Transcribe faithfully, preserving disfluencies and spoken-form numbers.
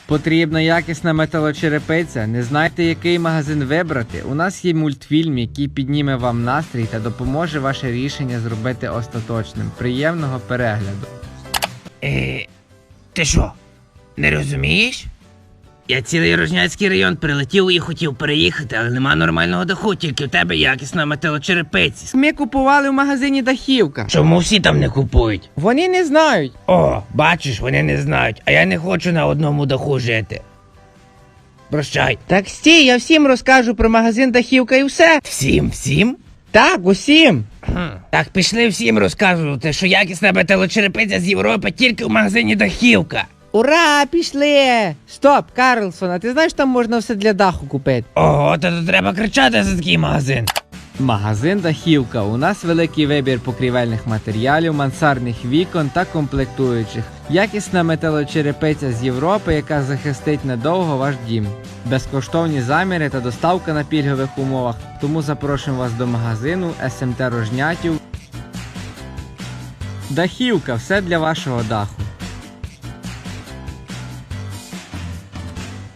Потрібна якісна металочерепиця? Не знаєте, який магазин вибрати? У нас є мультфільм, який підніме вам настрій та допоможе ваше рішення зробити остаточним. Приємного перегляду. Е, ти що, не розумієш? Я цілий Рожняцький район прилетів і хотів переїхати, але нема нормального даху, тільки в тебе якісна металочерепиця. Ми купували в магазині Дахівка. Чому всі там не купують? Вони не знають. О, бачиш, вони не знають, а я не хочу на одному даху жити. Прощай. Так стій, я всім розкажу про магазин Дахівка і все. Всім, всім? Так, усім. Хм. Так пішли всім розказувати, що якісна металочерепиця з Європи тільки в магазині Дахівка. Ура, пішли! Стоп, Карлсон, а ти знаєш, там можна все для даху купити? Ого, то тут треба кричати за такий магазин. Магазин Дахівка. У нас великий вибір покрівельних матеріалів, мансардних вікон та комплектуючих. Якісна металочерепиця з Європи, яка захистить надовго ваш дім. Безкоштовні заміри та доставка на пільгових умовах. Тому запрошуємо вас до магазину ес ем те Рожнятів. Дахівка. Все для вашого даху.